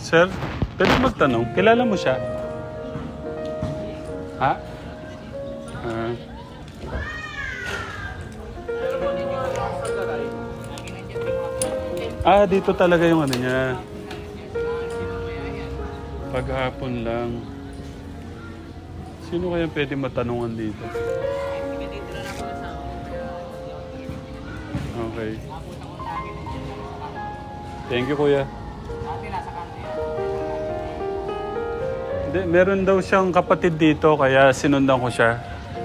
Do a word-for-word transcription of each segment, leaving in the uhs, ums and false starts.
Sir, pwede magtanong, kilala mo siya? Ha? Ah. Ah, dito talaga yung ano niya. Paghapon lang. Sino kaya pwede matanungan dito? Okay. Thank you, kuya. Hindi, meron daw siyang kapatid dito, kaya sinundan ko siya.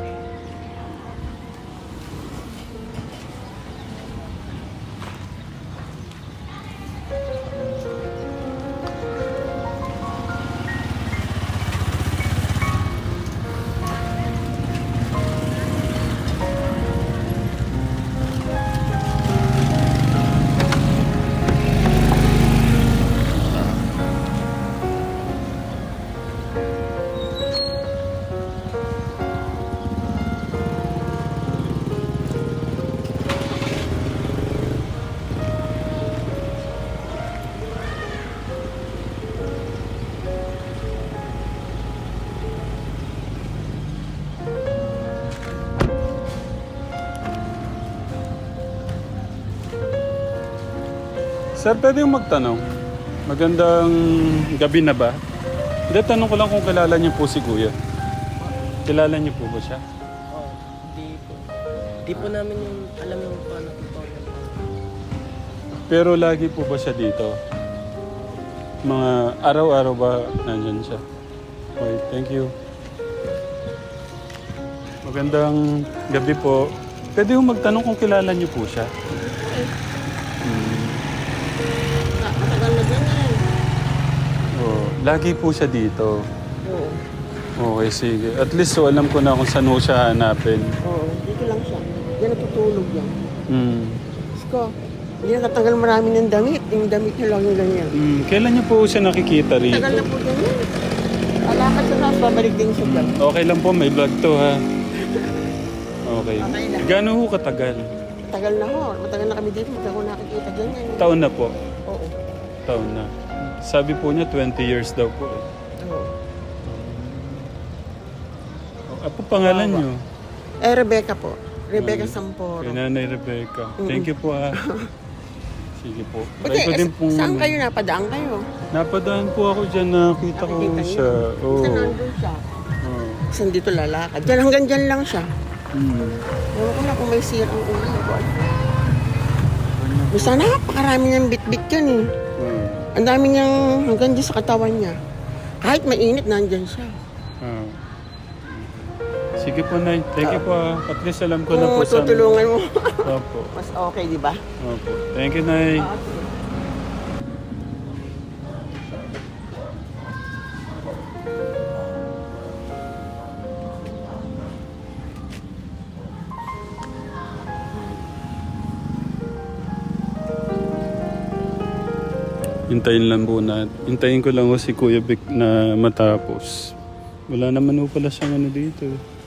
Sir, pwede yung magtanong? Magandang gabi na ba? Hindi, tanong ko lang kung kilala niyo po si Kuya. Kilala niyo po ba siya? Oo, di po. Di po namin yung alam yung paano ito. Pero lagi po ba siya dito? Mga araw-araw ba nandyan siya? Okay, thank you. Magandang gabi po. Pwede yung magtanong kung kilala niyo po siya? Hmm. Matagal na dyan na rin. Oh, lagi po siya dito. Oo. Okay, sige. At least so alam ko na kung saan ho siya hanapin. Oo, dito lang siya. Yan natutulog yan. Hmm. Isko, hindi nakatanggal marami ng damit. Yung damit niya lang yung ganyan. Hmm. Kailan niyo po siya nakikita rito? Tagal na po dyan yan. Alakad sa nas, babalik din siya dyan. Okay lang po, may vlog to ha. Okay. Okay lang. Gano'n ho katagal? Tagal na ho. Matagal na kami dito. Matagal ko nakikita dyan yan. Taon na po. Oo. Taon na. Sabi po niya twenty years daw po. eh. Oo. Ano po pangalan niyo? Eh, Rebecca po. Rebecca Samporo. Kay Nanay Rebecca. Thank you po ha. Sige po. Buti, Try ko din eh, pong... saan kayo napadaan kayo? Napadaan po ako dyan, nakita ko Nakikita siya. niyo? Oo. Saan nandun siya? Oh. Saan dito lalakad? Diyan hanggang dyan lang siya. Hmm. Ewan ko na kung may sira ang ulo ko. Basta napakarami niyang bit-bit yan eh. Hmm. Ang dami niyang hanggang dyan sa katawan niya. Kahit mainit, nandyan siya. Ah. Sige po, Nay. Thank you po ha. At least alam ko na po Kung saan- tutulungan mo, Opo. mas okay, di ba? Opo. Thank you, Nay. Hintayin lang po na. Hintayin ko lang po si Kuya Vic na matapos. Wala naman po pala siyang ano dito.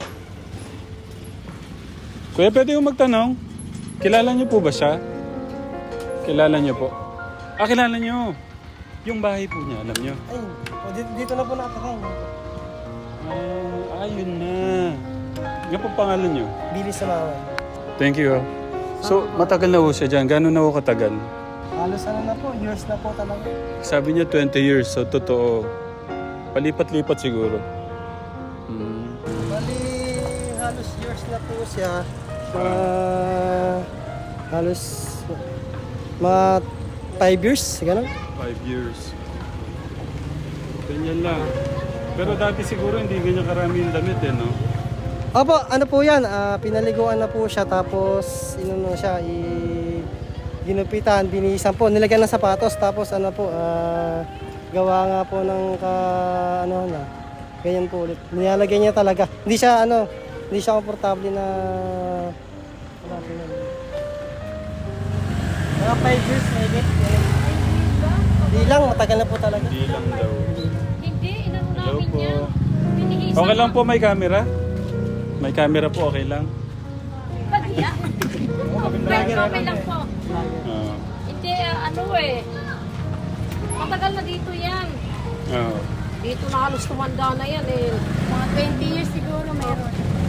Kuya, pwede yung magtanong? Kilala niyo po ba siya? Kilala niyo po? Ah, kilala niyo. Yung bahay po niya, alam niyo? Ay, dito, dito na po nakakain. Ah, ayun na. Yan po pangalan niyo? Bilis sa mawan. Thank you. ah. So, matagal na po siya dyan. Gano'n na po katagal? Halos ano na po, years na po talaga. Sabi niya twenty years, so totoo. Palipat-lipat siguro. Hmm. Bali, halos years na po siya. Mga, halos, mga five years, gano'n. Five years. Ganyan lang. Pero dati siguro hindi ganyan karami yung damit eh, no? Opo, ano po yan, ah, pinaliguan na po siya tapos inuno siya, i ginupitan, binihisan po, nilagyan ng sapatos tapos ano po, ah, gawa nga po ng ka, ano na, ganyan po ulit. Nilalagay niya talaga. Hindi siya ano, hindi siya komportable na, wala po yan. Mga five years, maybe. Hindi lang, matagal na po talaga. Hindi lang daw. Hindi, inano Hello namin po. yan. Tinihisan Okay lang po, may camera? May camera po, okay lang? Pagya. Okay lang po. Ah. Hindi, ah, ano eh. Matagal na dito yan. Oo. Dito na halos tumanda na yan eh. Mga twenty years siguro meron.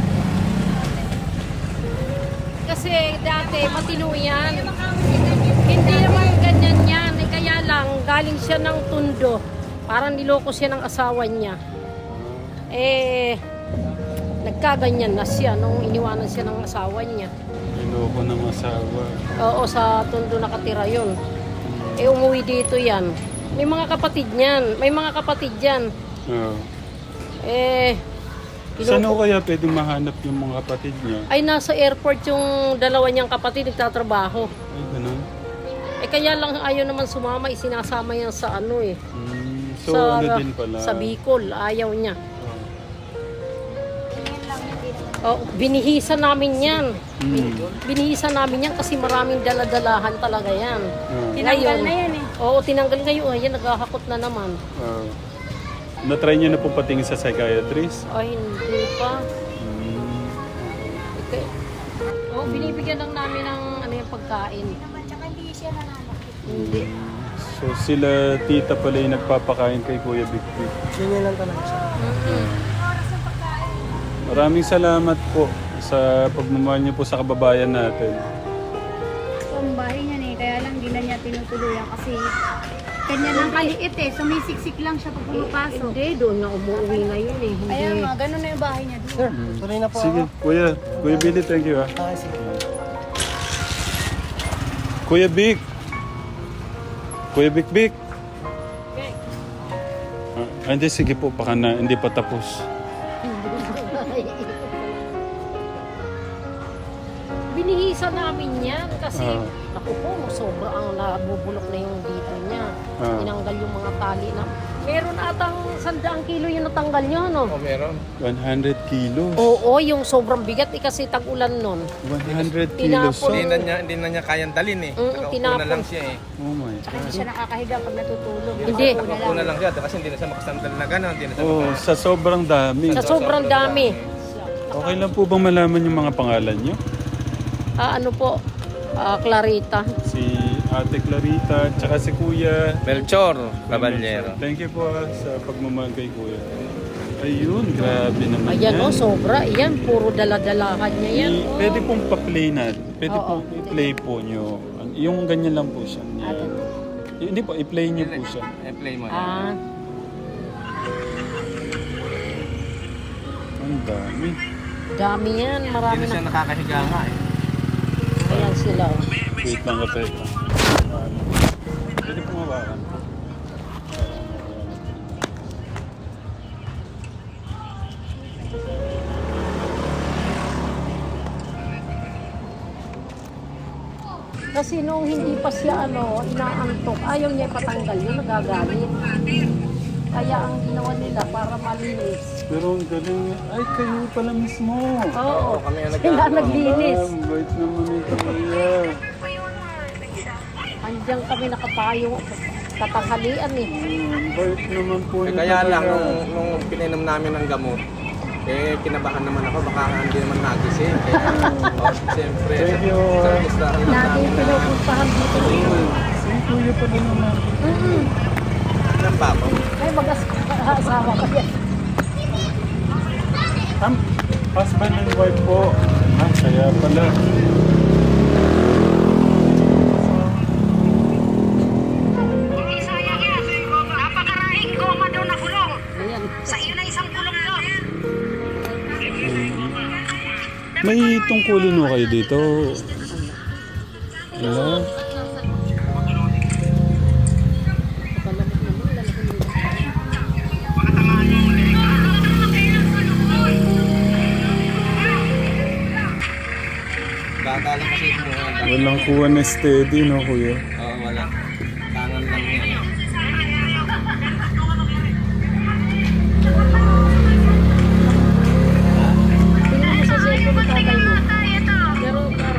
Kasi dati matino yan. Hindi naman ganyan yan. Eh, kaya lang galing siya ng Tondo. Parang niloko siya ng asawa niya. Eh, nagkaganyan na siya nung iniwanan siya ng asawa niya. Niloko ng asawa. Oo, sa Tondo nakatira yun. Eh, umuwi dito yan. May mga kapatid niyan. May mga kapatid yan. Oo. Eh, Saan niloko- ho kaya pwedeng mahanap yung mga kapatid niya? ay nasa airport yung dalawa niyang kapatid nagtatrabaho. Ay, ganun. Eh, kaya lang ayaw naman sumama. Isinasama yan sa ano eh. Mm, so, sa, ano din pala? sa Bicol. Ayaw niya. Oo. Tingin lang hindi naman. Oh, binihisa namin yan. Mm. Binihisa namin yan kasi maraming daladalahan talaga yan. Oo. Tinanggal Ngayon, na yan eh. Oo, tinanggal ngayon. Ayan, naghahakot na naman. Oo. Na-try niyo na po patingin sa psychiatrist? Ay, hindi pa. Mm. Okay. Oh, binibigyan lang namin ng ano yung pagkain. Naman, tsaka hindi siya nananakit. Hindi. So sila tita pala yung nagpapakain kay Kuya Big Big. Ganyan lang talaga siya. Mm-mm. Oras ng pagkain. Maraming salamat po sa pagmamahal niyo po sa kababayan natin. Ito ang bahay niya eh, kaya lang di na niya tinutuluyan kasi kanya lang kaliit eh, sumisiksik lang siya pag pumapasok. Hindi, doon na umuwi ngayon eh. Hindi. Ayan nga, ganun na yung bahay niya dito. Sir, tuloy na po Sige, ako. Kuya. Kuya Billy, thank you ah. Okay, sige. Kuya Big. Kuya Big Big. Okay. Ah, hindi, sige po. Baka na, hindi pa tapos. Binihisa namin yan kasi Ah. naku po, sobra ang nabubulok na yung dito niya. Ah. Tinanggal yung mga tali na. Meron atang sandaang kilo yung natanggal niya, no? Oh, meron. one hundred kilos. Oo, yung sobrang bigat eh kasi tag-ulan nun. one hundred kilos. Tinapon. So, Hindi na niya, hindi na niya kayang dalhin eh. Mm, Nakaupo tinapon. na lang siya eh. oh my Tsaka hindi God. siya nakakahiga pag natutulog. Hindi. Nakaupo na Nakaupo na lang. lang siya kasi hindi na siya makasandal na gano'n. Hindi na siya Oh, maka- sa sobrang dami. Sa sobrang dami. Okay lang po bang malaman yung mga pangalan niyo? Ah, ano po? Ah, Clarita. Si Ate Clarita, tsaka si Kuya Melchor Caballero. Thank you po ah, sa pagmamahal kay Kuya. Ayun, grabe naman Ayan yan. oh, sobra. Ayan, puro daladalahan niya yan. I- Oh. Pwede pong pa-play na. Pwede Oo. pong i-play po nyo. Yung ganyan lang po siya. Yan. Hindi po, i-play nyo po siya. I-play mo. Ah, Ang dami. dami yan. Marami Hindi na siya na. nakakahiga nga eh. Ayan sila. Oh. Wait lang ka tayo. Pwede pong hawakan. Kasi nung hindi pa siya ano, inaantok, ayaw niya ipatanggal yun, nagagalit. Kaya ang ginawa nila para malinis. Pero ang galing. Ay, kayo pala mismo. Oo, kami ang sila naglinis. Ang bait naman ito, Kuya. Andiyan kami nakapayo, katanghalian eh. Ang bait naman po Eh, nito, kaya lang, Kuya. nung, nung pinainom namin ng gamot, eh, kinabahan naman ako, baka hindi naman nagising. Kaya, oh, siyempre, Thank you. sa listahan lang Lagi namin na, pinupuntahan dito. Si Kuya pala naman. Mm-mm. ng bako. Ay, mag-asawa ka yan. Am, husband and wife po. Ah, kaya pala. Ayan. May tungkulin mo kayo dito. Hello? Bata lang kasi ito. Oo, Walang kuha na steady, no, Kuya? wala. Tangan lang niya. Tingnan mo sa cellphone ng tatay mo. Pero, pero,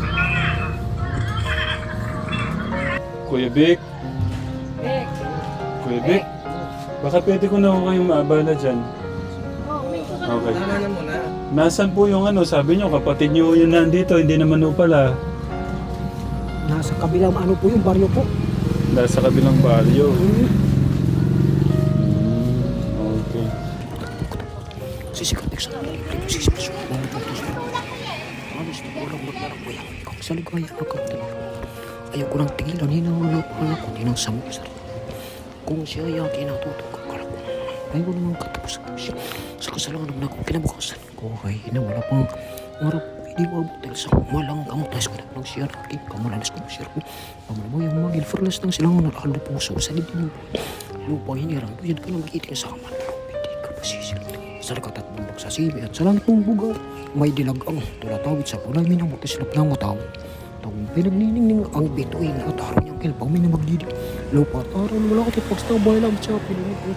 Kuya Vic? eh, Kuya Vic? Baka pwede ko na ako kayong maabala dyan. Okay. Tama na muna. Nasaan po yung ano? Sabi nyo, kapatid nyo yun nandito, hindi naman po pala. Nasa kabilang ano po yung baryo po. Nasa kabilang baryo. Mm, okay. Sisikat sa sisipat sa mga putos. Alis na walang maglarang ko yan. Ikaw sa ligaya ako. Ayaw ko nang tigilan. Hinawala ko na ako. Hindi nang samot sa rin. Kung siya ay aking natutok ka, kala ko ayaw naman katapos siya. Sa kasalanan na ako kinabukasan ko ay hinawala pang marap. Hindi mo abutel sa malang kamutas ko na nang siya na aking kamalanas ko siya ko. Pamalabaw yung mga gilferlas ng silang nalalo puso sa libin yung lupa hinirang. Doon ka na makiting sa kaman. Hindi ka masisilat. Sa lakat at bundok sa sibi at sa langit ng bugaw. May dilagang tulatawid sa kulay minamutislap ng mataw. Tawang pinagniningning ang bituin at araw niyang kilpaw may na magdidig. Lupa at araw wala ka tipagstawbay lang siya pinunod ko.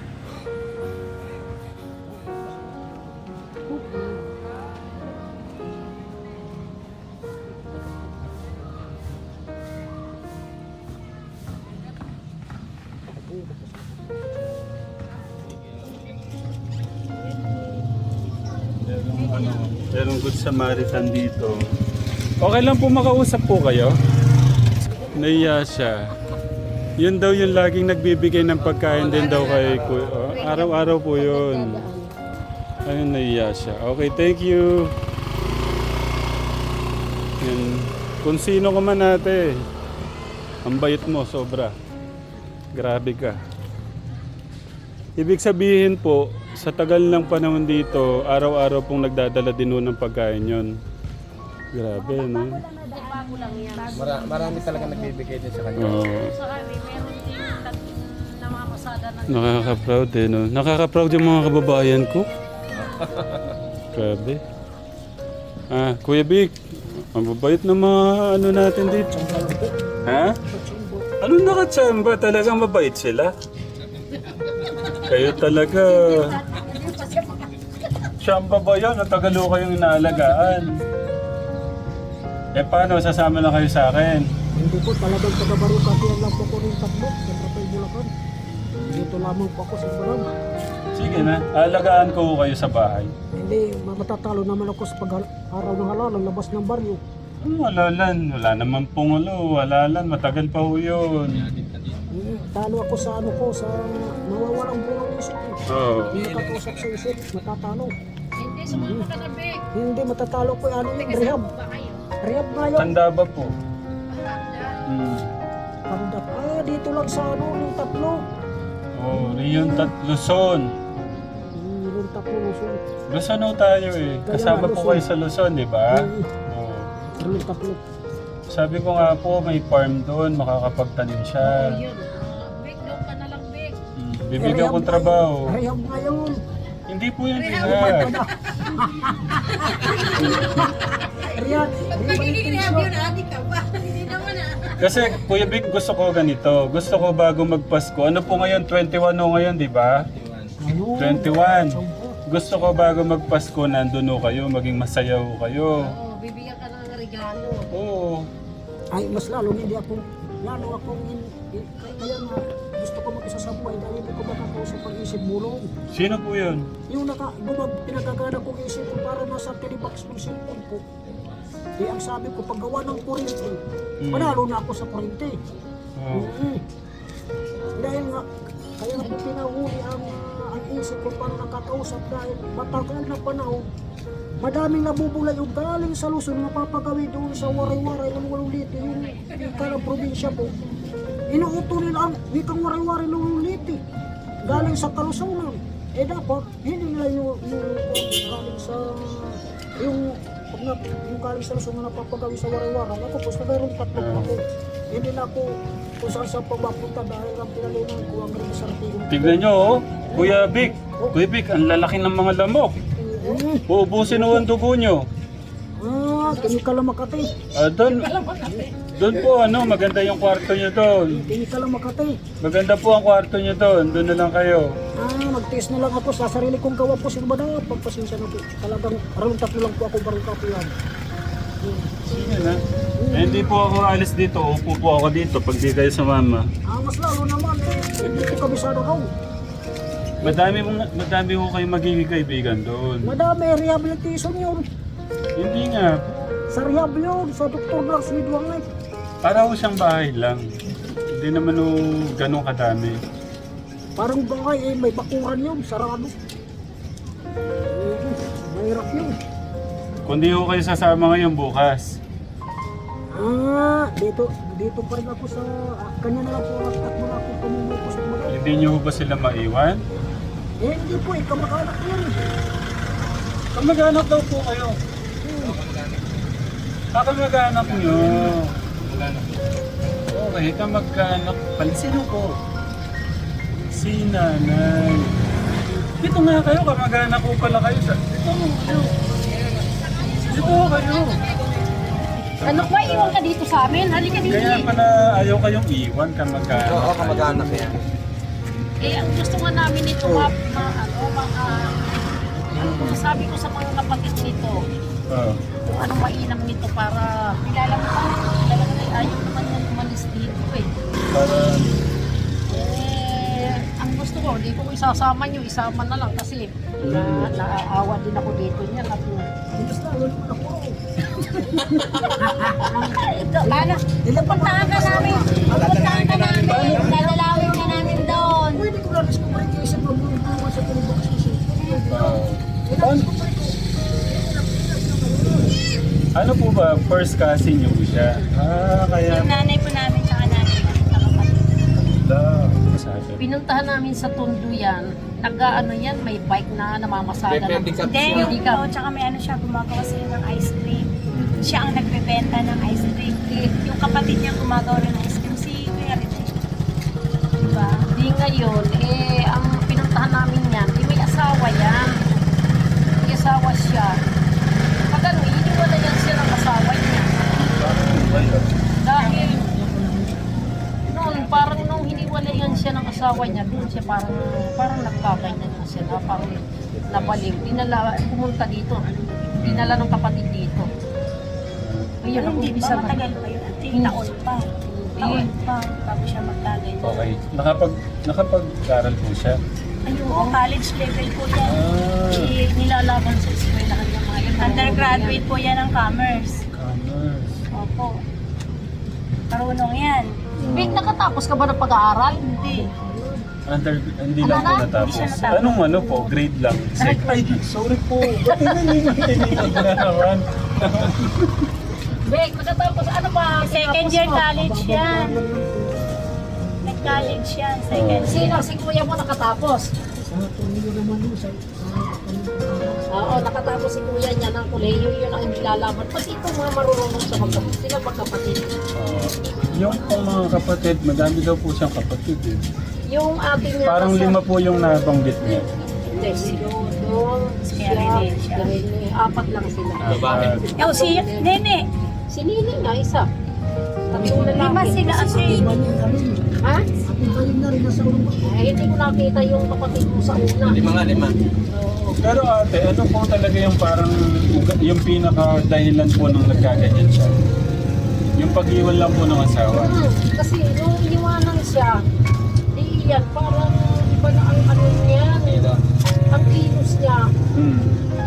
Merong, ano, merong Good Samaritan dito. Okay lang po makausap po kayo. Naiya siya. Yun daw yung laging nagbibigay ng pagkain din daw kay Kuya. Oh, araw-araw po yun. Ayun, naiya siya. Okay, thank you. Yan. Kung sino ka man ate, ang bait mo, sobra. Grabe ka. Ibig sabihin po, sa tagal ng panahon dito, araw-araw pong nagdadala din nun ng pagkain yon. Grabe, no? Mara, marami talaga nagbibigay din sa kanya. Oo. Sa kami, meron din namamasada ng Nakaka-proud eh, no? Nakaka-proud yung mga kababayan ko. Grabe. Ah, Kuya Vic, ang babait na mga ano natin dito. Ha? Ano nakatsamba? Talagang mabait sila. Kayo talaga. Tsamba ba yun? Ang tagalo kayong inaalagaan. Eh paano? Sasama na kayo sa akin. Hindi po talagang taga-Barucati ang lang po ko rin tatlo sa Trapay Bulacan. Dito lamang po ako sa Barang. Sige na, alagaan ko kayo sa bahay. Hindi, matatalo naman ako sa pag-araw ng halalan, labas ng baryo. Ano walalan? Wala naman pong ano, walalan. Matagal pa ho yun. Hmm, talo ako sa ano ko, sa nawawalang bulang isip ko. Oo. Hindi nakakausap sa isip, matatalo. Hindi, sumama ka na, Bek. Hindi, matatalo ko ano yung rehab. Ba kayo? Rehab nga yun. Tanda ba po? Hmm. Pandak. Ah, dito lang sa ano, yung tatlo. Oh, Rion Tat Luzon. Hmm, yung tatlo, Luzon. Luzon ho tayo eh. Kasama po kayo sa Luzon, di ba? Hmm, Oo. yung tatlo. Sabi ko nga po, may farm doon, makakapagtanim siya. Yun. Ah, Bek, doon ka na lang, Bek. Hmm. Bibigyan kong trabaho. Rehab nga yun. Hindi po yung rehab. Rehab. Kasi Kuya Vic, gusto ko ganito. Gusto ko bago magpasko. Ano po ngayon? twenty-one ho ngayon, di ba? Ayun. twenty-one. Gusto ko bago magpasko, nandun ho kayo, maging masaya ho kayo. Oo, bibigyan ka ng regalo. Oo. Ay, mas lalo hindi ako, lalo akong, in, in, kaya nga, gusto ko mag-isa sa buhay dahil hindi ko makakausap ang isip mulong. Sino po yun? Yung naka, bumag, pinagagana kong isip ko para nasa tinibox ng cellphone ko. Eh, ang sabi ko, paggawa ng kurente, Hmm. panalo na ako sa kurente. Oo. Mm. Dahil nga, kaya nga po pinahuli ang, ah, ang isip ko para nakakausap dahil matagal na panahon, madaming nabubulay yung galing sa Luzon na papagawi doon sa Waray-Waray ng Waluliti, yung ika ng probinsya po. Inuuto nila ang wikang Waray-Waray ng Waluliti, galing sa Kalusunan. Eh dapat, hindi nila yung, yung, yung galing sa, yung, pag na, yung galing sa Luzon na napapagawi sa Waray-Waray. Ako po, sa mayroong tatlo po ako. Hindi na ako kung saan saan pagbapunta dahil ang pinalunan ko ang rin sa artigong. Tignan nyo, oh. Kuya Vic. Kuya Vic, ang lalaki ng mga lamok. Mm. Uubusin ho ang dugo nyo. Ah, kini ka lang Makati. Ah, doon, doon po, ano, maganda yung kwarto nyo doon. Kini ka lang Makati. Maganda po ang kwarto nyo doon. Doon na lang kayo. Ah, nag-test na lang ako sa sarili kong gawa po. Sino ba na? Pagpasensya na po. Talagang around tatlo lang po ako barong kapuyan. Sige na. Eh, hindi po ako alis dito. Upo po ako dito pag di kayo sumama. Ah, mas lalo naman eh. Hindi ko kabisado raw. Madami, mong- madami ko kayo magiging kaibigan doon. Madami, rehabilitation yun. Hindi nga. Sa rehab yun, sa doktor lang, sinidwang eh. Para ko siyang bahay lang. Hindi naman o ganun kadami. Parang bahay eh, may bakuran yun, sarado. Eh, mahirap yun. Kung di ko kayo sasama ngayon bukas. Ah, dito, dito pa rin ako sa, ah, kanya na lang po, at mga ako pumumukos at mga. Hindi nyo ba sila maiwan? Eh, hindi po, eh, kamag-anak ko yan. Kamag-anak daw po kayo. Ah, kamag-anak nyo. Okay, kamag-anak pala. Sino po? Si nanay. Dito nga kayo, kamag-anak ko pala kayo. Sa... Dito kayo. Dito kayo. Ano ba, iwan ka dito sa amin? Halika dito. Kaya pala ayaw kayong iwan, kamag-anak. Oo, kamag-anak yan. Eh, ang gusto nga namin nito, ma, ma, ano, ma, ah, ang sabi ko sa mga kapatid nito, Oh. kung anong mainam nito para kilala mo pa, talaga na ayaw naman yan umalis dito eh. Para... Eh, ang gusto ko, di ko isasama nyo, isama na lang kasi na, naaawa din ako dito niya. At, Paano? Pupuntahan ka namin. Pupuntahan ka namin. Dadalawin ka namin doon. Pwede ko lang discover kayo sa pamumukan sa tulubang susi. Oh. Paano? Ano po ba? First cousin nyo po siya? Ah, kaya... Yung nanay po namin, tsaka nanay po. Nakapatid. Da. Sabi. pinuntahan namin sa Tondo yan, nag-ano yan, may bike na namamasada May ng pedicab Hindi, siya. yung Pedicab. oh, tsaka may ano siya, gumagawa sila ng ice cream. Siya ang nagbebenta ng ice cream. Yung kapatid niya gumagawa rin ng ice cream, si Kuya Rene. Diba? Di ngayon, eh, ang pinuntahan namin yan, di may asawa yan. May asawa siya. Pag ano, iniwala yan siya ng asawa niya. Dahil, noon, parang nung hiniwala yan siya ng asawa niya, doon siya parang, parang nagkaganyan na siya, na parang nabaliw. Dinala, pumunta dito. Dinala ng kapatid dito. Ayun, ang Hindi umpisa ba na. matagal pa yun? Ate, taon pa. Taon pa bago siya magtagay. Okay. Nakapag, nakapag-aral po siya. Ayun, oh, college level po yan. Ah. I- nilalaban sa eskwelahan ng mga yun. Undergraduate po yan ng commerce. Commerce. Opo. Marunong yan. Wait, nakatapos ka ba ng pag-aaral? Hindi. Under, hindi lang po Ano na? natapos. Hindi siya natapos. Anong ano po? Grade lang. Sec- Ay, sorry po. Ba't hindi na naman? Wait, nakatapos, ano ba? Second tinapos year mo? college yan. Nag-college yan. Second year. Sino? Si kuya mo nakatapos? Sa tuloy naman yun, sa Oo, nakatapos si kuya niya ng kolehiyo, yun ang nilalaban. Pati itong mga marunong sa magkapatid, sila magkapatid. Ah, yung pong mga kapatid, madami daw po siyang kapatid eh. Yung ating niya Parang kasi- lima po yung nabanggit niya. Hindi, si Dodong, si Kaya Rene siya. Rene, apat lang sila. Babae. Ah, Oh, si Nene. Si Nini nga, isa. Tatlo na lang. Lima sila ate. Ha? kayo na rin nasa ulo. Eh, hindi ko nakita yung kapatid mo sa una. Lima nga, lima. Oo. Pero ate, ano po talaga yung parang yung pinaka dahilan po nung nagkaganyan siya? Yung pag-iwan lang po ng asawa. Hmm, kasi nung iniwanan siya, di yan, parang iba na ang ano niya, ang kilos niya. Hmm.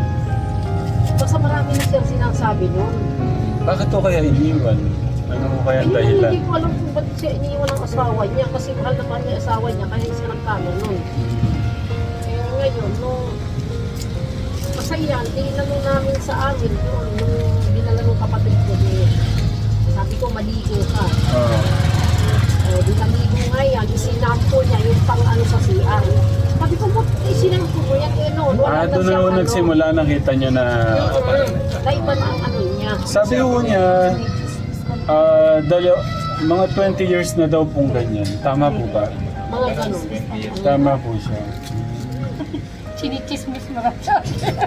Basta marami na siyang sinasabi noon. Bakit to kaya iniwan? Ano po kaya ang Ayun, dahilan? hindi ko alam kung ba't siya iniwan ng asawa niya kasi mahal na mahal niya yung asawa niya kaya siya nagkano noon. Eh ngayon, nung masaya, tinanong namin sa amin noon, nung dinala ng kapatid ko, eh, sabi ko, maligo ka. Oo. Eh, di naligo nga yan, isinampo niya yung pang ano sa C R. Sabi ko, ba't isinampo mo yan? Eh, no, wala Ah, doon na siyang po ano. nagsimula, nakita niyo na... Mm, Naiba na ang ano niya. Sabi ko niya, ah, dalo, mga twenty years na daw pong ganyan. Tama po ba? Mga ganun. Tama po siya. Chinichismis mo lang siya.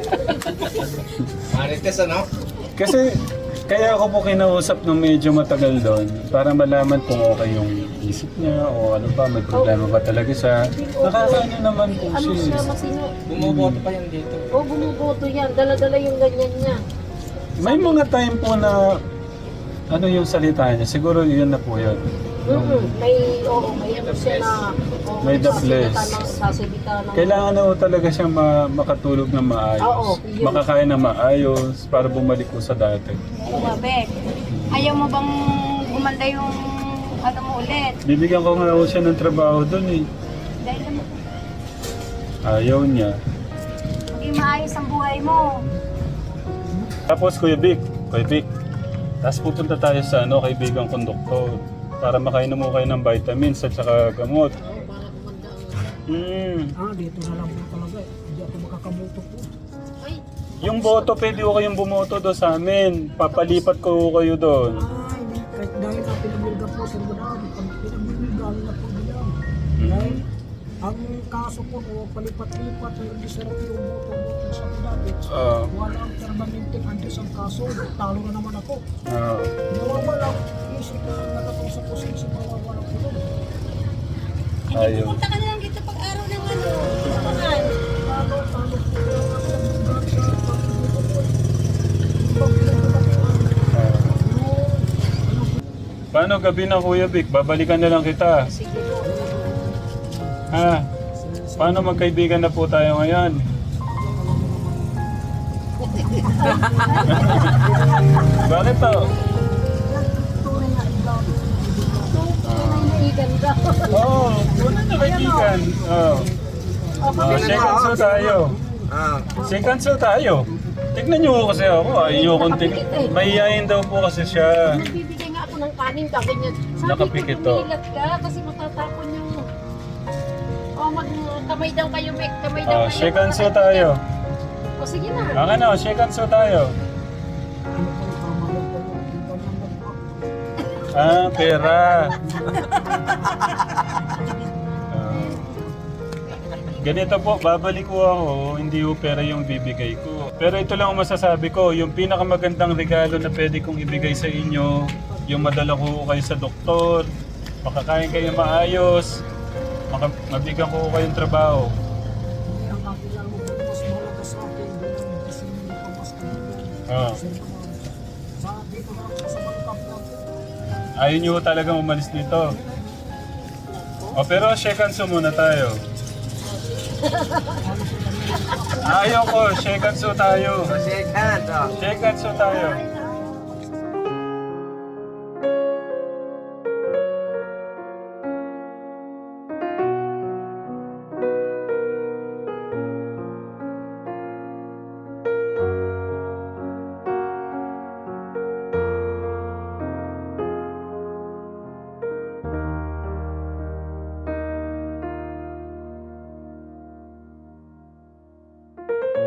Marites, ano? Kasi kaya ako po kinausap nung medyo matagal doon para malaman kung okay yung isip niya o ano ba, may problema ba talaga siya. Nakakaano naman po Ano siya, siya. masino? Bumuboto pa yan dito. O, bumuboto yan. Dala-dala yung ganyan niya. May mga time po na ano yung salita niya, siguro yun na po yun. Mm-hmm. May, oo, may ano siya na... oo, May the sasalita flesh. ng- Sasalita ng... Kailangan na po talaga siyang ma- makatulog na maayos. Oo, yun. Makakain na maayos para bumalik po sa dati. Bumabek. Ayaw mo bang gumanda yung ano mo ulit. Bibigyan ko nga ako siya ng trabaho doon eh. Dahil naman, Ayaw niya. maging maayos ang buhay mo. Tapos Kuya Vic, Kuya Vic, tapos pupunta tayo sa ano, kaibigang konduktor para makainom mo kayo ng vitamins at saka gamot. Hmm. Ah, dito na lang po talaga eh. Hindi ako makakamoto po. Ay, Yung boto, pwede ko kayong bumoto doon sa amin. Papalipat ko kayo doon. Ah, hindi. Kahit dahil na pinamilga po, Sir Manalo, pag pinamilga na po nila. Hmm. Dahil ang kaso po, o palipat-lipat, hindi sarap yung boto-boto sa Pinalit. Ah. Wala ang permanente andis ang kaso, talo na naman ako. Ah. Nawawala, isip na nakatausap ko sa isip, nawawala ko doon. Ayaw. Punta ka na lang dito pag araw ng ano, tumakan. Talo, talo po yung ang lugar sa pagbuto po. Ibang pinagbuto po. Ah. Paano gabi na Kuya Vic? Babalikan na lang kita. sige po. Ha? Paano magkaibigan na po tayo ngayon? Bakit to? Naiigan ka. Oo, oh, wala na kaibigan. Oh. Oh, shake hands po tayo. Ah, Shake hands po tayo. Tignan niyo po kasi ako. Ayaw kong tignan. Mahihayin daw po kasi siya. Nagbibigay nga ako ng kanin, sabi niya. Sabi Nakapikit ko, to. tumilat ka kasi matatapon yung... O, mag kamay daw kayo, may kamay daw Oh, kayo. shake hands po tayo. O, sige na. Ang ano, shake hands po tayo. Ah, pera. Ah. Ganito po, babalik ko ako, hindi ko pera yung bibigay ko. Pero ito lang ang masasabi ko, yung pinakamagandang regalo na pwede kong ibigay sa inyo, yung madala ko kayo sa doktor, makakain kayo maayos, maka, mabigyan ko kayong trabaho. Ang kakilala mo, mas malaga sa akin, doon ang kasi hindi pa mas kanina. Ah. Sa dito na ako sa mga kapwa ko. Ayaw nyo talaga umalis dito. O pero shake hands muna tayo. Ayaw ko, shake hands tayo. shake hands. Oh. Shake hands tayo.